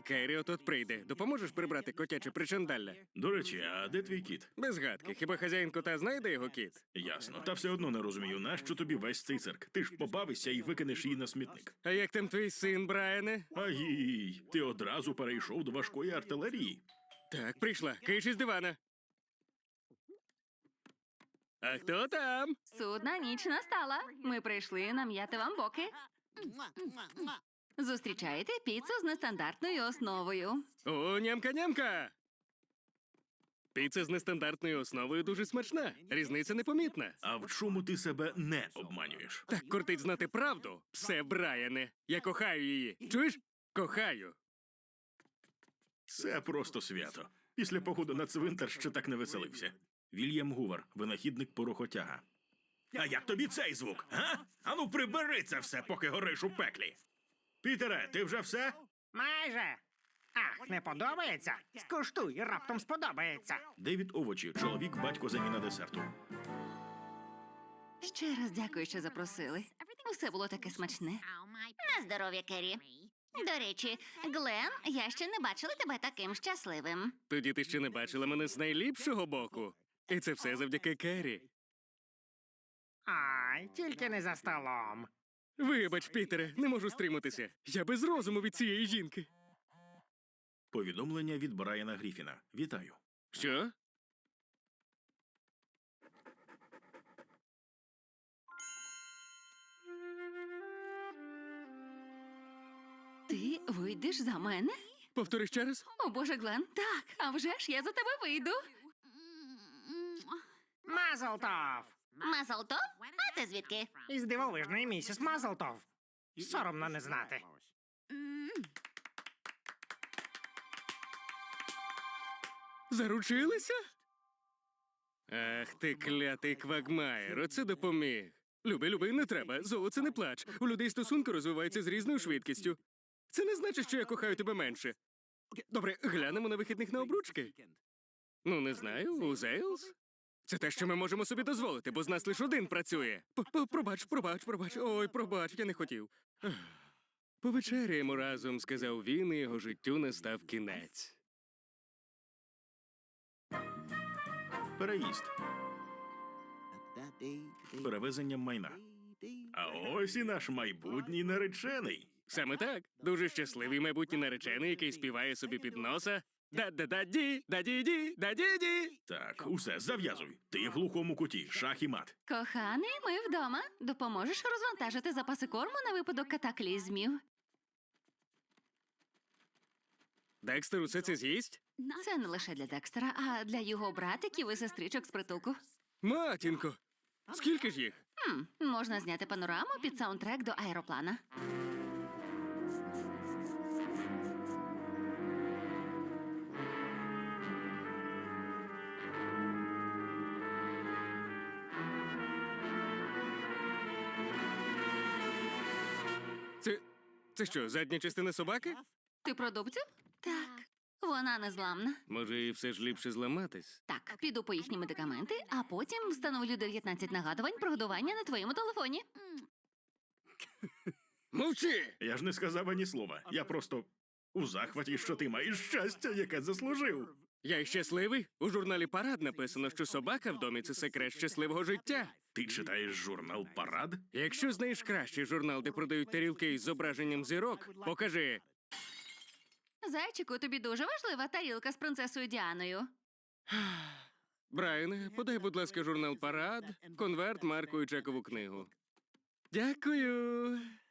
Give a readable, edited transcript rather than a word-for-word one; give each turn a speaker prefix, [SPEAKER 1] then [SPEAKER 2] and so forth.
[SPEAKER 1] Керрі от прийде. Допоможеш прибрати котяче причандалля?
[SPEAKER 2] До речі, а де твій кіт?
[SPEAKER 1] Без гадки. Хіба хазяїн кота знає, де його кіт?
[SPEAKER 2] Ясно. Та все одно не розумію, нащо тобі весь цей цирк. Ти ж побавишся і викинеш її на смітник.
[SPEAKER 1] А як там твій син, Брайане?
[SPEAKER 2] Агій, ти одразу перейшов до важкої артилерії.
[SPEAKER 1] Так, прийшла. Киш із дивана. А хто там?
[SPEAKER 3] Судна ніч настала. Ми прийшли нам'яти вам боки. Зустрічаєте піцу з нестандартною основою.
[SPEAKER 1] О, нямка-нямка! Піца з нестандартною основою дуже смачна. Різниця непомітна.
[SPEAKER 2] А в чому ти себе не обманюєш?
[SPEAKER 1] Так кортить знати правду. Все, Брайане. Я кохаю її. Чуєш? Кохаю.
[SPEAKER 2] Це просто свято. Після походу на цвинтар ще так не веселився. Вільям Гувер, винахідник порохотяга. А як тобі цей звук, га? Ану прибери це все, поки гориш у пеклі. Пітере, ти вже все?
[SPEAKER 4] Майже. Ах, не подобається? Скуштуй, раптом сподобається.
[SPEAKER 2] Девід Овочі, чоловік, батько заміна десерту.
[SPEAKER 3] Ще раз дякую, що запросили. Усе було таке смачне.
[SPEAKER 5] На здоров'я, Керрі. До речі, Глен, я ще не бачила тебе таким щасливим.
[SPEAKER 1] Тоді ти ще не бачила мене з найліпшого боку. І це все завдяки Керрі.
[SPEAKER 4] Ай, тільки не за столом.
[SPEAKER 1] Вибач, Пітере, не можу стриматися. Я без розуму від цієї жінки.
[SPEAKER 2] Повідомлення від Брайана Гріфіна. Вітаю.
[SPEAKER 1] Що?
[SPEAKER 3] Ти вийдеш за мене?
[SPEAKER 1] Повтори ще раз?
[SPEAKER 3] О, Боже, Глен, так, а вже ж я за тебе вийду.
[SPEAKER 4] Мазлтов!
[SPEAKER 5] Мазалтов? А ти звідки?
[SPEAKER 4] Із дивовижної місіс Мазлтов. Соромно не знати.
[SPEAKER 1] Заручилися? Ах ти клятий Квагмаєр, оце допоміг. Люби, не треба, золоце не плач. У людей стосунки розвиваються з різною швидкістю. Це не значить, що я кохаю тебе менше. Добре, глянемо на вихідних на обручки. Ну, не знаю, у Зейлс? Це те, що ми можемо собі дозволити, бо з нас лише один працює. Пробач. Ой, пробач, я не хотів. Ах. Повечеряємо разом, сказав він, і його життю настав кінець.
[SPEAKER 2] Переїзд. Перевезення майна. А ось і наш майбутній наречений.
[SPEAKER 1] Саме так. Дуже щасливий майбутній наречений, який співає собі під носа. Да-да-да-ді, да-ді-ді, да-ді-ді.
[SPEAKER 2] Так, усе, зав'язуй. Ти в глухому куті, шах і мат.
[SPEAKER 3] Коханий, ми вдома. Допоможеш розвантажити запаси корму на випадок катаклізмів.
[SPEAKER 1] Декстер усе це з'їсть?
[SPEAKER 3] Це не лише для Декстера, а для його братиків і сестричок з притулку.
[SPEAKER 1] Матінко, скільки ж їх?
[SPEAKER 3] Можна зняти панораму під саундтрек до аероплана.
[SPEAKER 1] Це що, задня частина собаки?
[SPEAKER 3] Ти про дубцю? Так. Вона незламна.
[SPEAKER 1] Може, і все ж ліпше зламатись?
[SPEAKER 3] Так, піду по їхні медикаменти, а потім встановлю 19 нагадувань про годування на твоєму телефоні.
[SPEAKER 1] Мовчи!
[SPEAKER 2] Я ж не сказав ані слова. Я просто у захваті, що ти маєш щастя, яке заслужив.
[SPEAKER 1] Я й щасливий. У журналі «Парад» написано, що собака в домі – це секрет щасливого життя.
[SPEAKER 2] Ти читаєш журнал «Парад»?
[SPEAKER 1] Якщо знаєш кращий журнал, де продають тарілки із зображенням зірок, покажи.
[SPEAKER 3] Зайчику, тобі дуже важлива тарілка з принцесою Діаною.
[SPEAKER 1] Брайане, подай, будь ласка, журнал «Парад», конверт, марку і чекову книгу. Дякую.